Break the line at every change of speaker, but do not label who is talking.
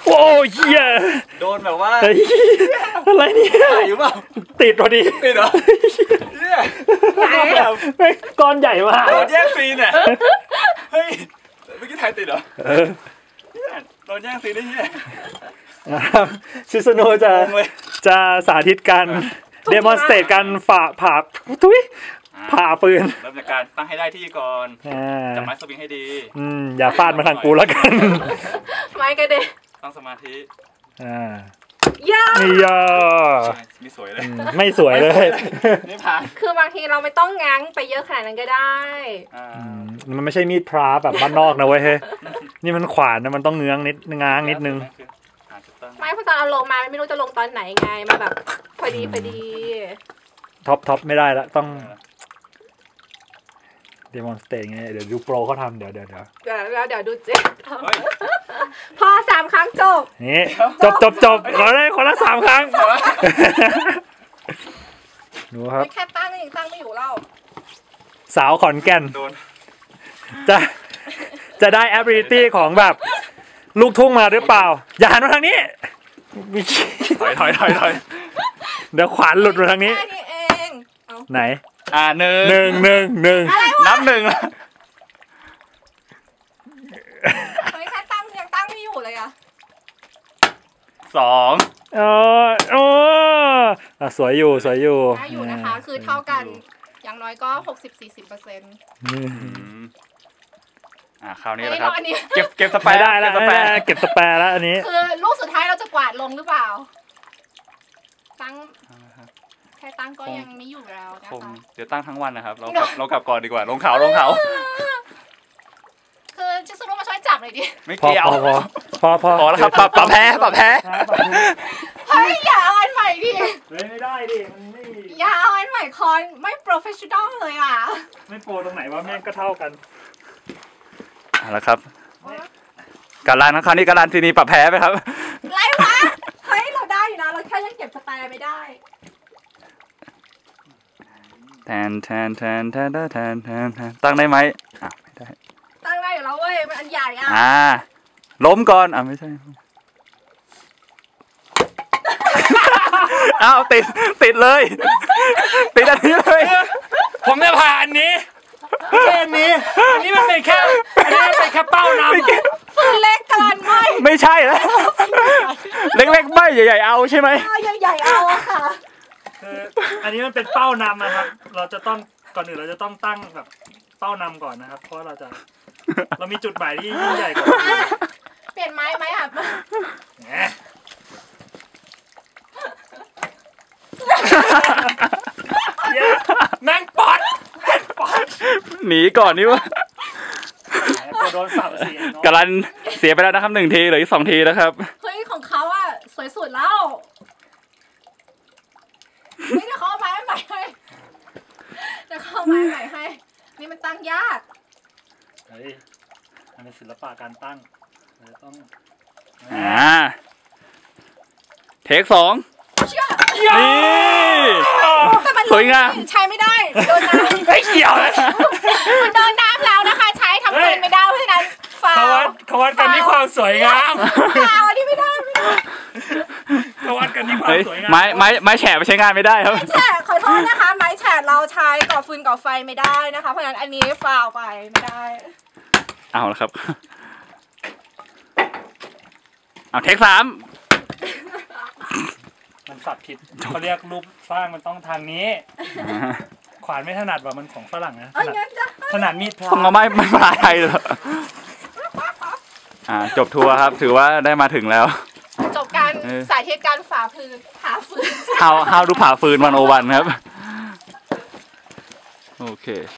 โอ้ยเหี้ย
โดนแบบว่า
อะไรเนี่ย
อยู่เปล่า
ติดพอดี
ติดเหรอเนี่ย
ก้อนใหญ่มาก
โดนแย่งซีนเนี่ยเฮ้ยเมื่อกี้ถ่ายติดเหรอโดนแย่งซีนได้เนี่ย
ชิสโนจะสาธิตการเดมอนสเตทการผ่าปืน
เริ่มจากการตั้งให้ได้ที่ก่อนจับไม้สวิงให้ดี
อย่าฟาดมาทางกูแล้วกัน
ไม้กระเด็น
ตั้งสมาธิ
ย่า
ไม่สวยเลย
ไม่สวยเลย
นี่ผ่าน
คือบางทีเราไม่ต้องง้างไปเยอะขนาดนั้นก็ได้
มันไม่ใช่มีดพระแบบบ้านนอกนะเว้ยนี่มันขวานนะมันต้องง้างนิดนึง
ไม่พอตอนเอาลงมาไม่รู้จะลงตอนไหนไงมาแบบพอดี
ท็อปไม่ได้แล้วต้องเดมอนสเตทไงเดี๋ยวดูโปรเขาทำเดี๋ยว
ดูเจ๊พอ3 ครั้งจบ
นี่จบขอได้คนละ3 ครั้งดูครับ
แค่ตั้งไม่อยู่แล้ว
สาวขอนแก่นจะได้ ability ของแบบลูกทุ่งมาหรือเปล่าอย่าหันมาทางนี้
ถอย
เดี๋ยวขวานหลุดมาทางนี้ไหน
หนึ่งนับ1แล้ว
แค่ยังตั้งไม่อยู่เลยอะ
2สวยอยู่
นะคะคือเท่ากันอย่างน้อยก็60-40%
คราวนี้แหละครับเก็บสแปร์
ได้แล้วเก็บสแปร์แล้วอันนี้
คือลูกสุดท้ายเราจะกวาดลงหรือเปล่าแค่ตั้งก็ยังไม่อยู่แล้วนะคะ
เดี๋ยวตั้งทั้งวันนะครับเรากลับก่อนดีกว่าลงเขา
คือจะสรุปมาช่วยจับเลยดิ
ไม่เกี่ยว
พอ
แล้วครับปรับแพ้
เฮ้ยอย่าเอาอันใหม่ดิ
ไม่ได้ดิมันไม่
อย่าเอาอันใหม่คอนไม่โปรเฟชชั่นอลเลยอ่ะ
ไม่โปรตรงไหนวะแม่งก็เท่ากัน
แล้วครับการันคราวนี้การันทีนี้ปรับแพ้ไหมครับ
ไรวะเฮ้ยเราได้อยู่นะเราแค่ยังเก็บสแตร์ไม่ได้
แทนตั้งได้ไหมไม่ได้
ตั้งได้อยู่แล้วเว้ยมันอันใหญ่
ล้มก่อนไม่ใช่ติดเลยติดอันนี้เลย
ผมจะผ่าอันนี้แค่นี้อันนี้มันเป็นแค่เป้านำ
ฟืนเล็กกัน
ไม่ใช่แล้วเล็กไม่ใหญ่ๆเอาใช่ไหม
ใหญ่เอาค่ะ
อันนี้มันเป็นเป้านำนะครับเราจะต้องก่อนอื่นเราจะต้องตั้งแบบเป้านำก่อนนะครับเพราะเรามีจุดหมายที่ยิ่งใหญ่กว่า
เปลี่ยนไม้ไหมอ่ะ
แมงปอด
หนีก่อนนี่วะ
โดนสับเสีย
กำลังเสียไปแล้วนะครับ1 ทีเหลืออีก2 ทีนะครับ
เฮ้ยของเขาอ่ะสวยสุดแล้วไม่ได้เขาเอาไม้ใหม่ให้นี่มันตั้งยาก
เฮ้ยมันเป็นศิลปะการตั้งเราต้อง
เทค 2นี่สวยงาม
ใช้ไม่ได้โดนน้ำ
ไม่เกี่ยวนะ
มันโดนน้ำแล้วนะคะใช้ทำเกินไม่ได้เพราะฉะนั้น
เขาวัดกันที่ความสวยงาม
อันนี้ไม่ได้
เขาวัดกันที่ความสวยงาม
ไม้แฉะไปใช้งานไม่ได้ครับ
แฉะขอโทษนะคะไม้แฉะเราใช้ก่อฟืนก่อไฟไม่ได้นะคะเพราะฉะนั้นอันนี้ฟาวไปไม่ได้
เอาละครับเอาเทค 3
มันสับผิดเขาเรียกรูปสร้างมันต้องทางนี้ขวานไม่ถนัดว่ามันของฝรั่งนะถนัดมีดพลา
ต้องเอาไม่ภาษาไทยเหรอจบทัวร์ครับถือว่าได้มาถึงแล้ว
จบการสาธิตการผ่าฟืน
how ดูผ่าฟืน101ครับโอเค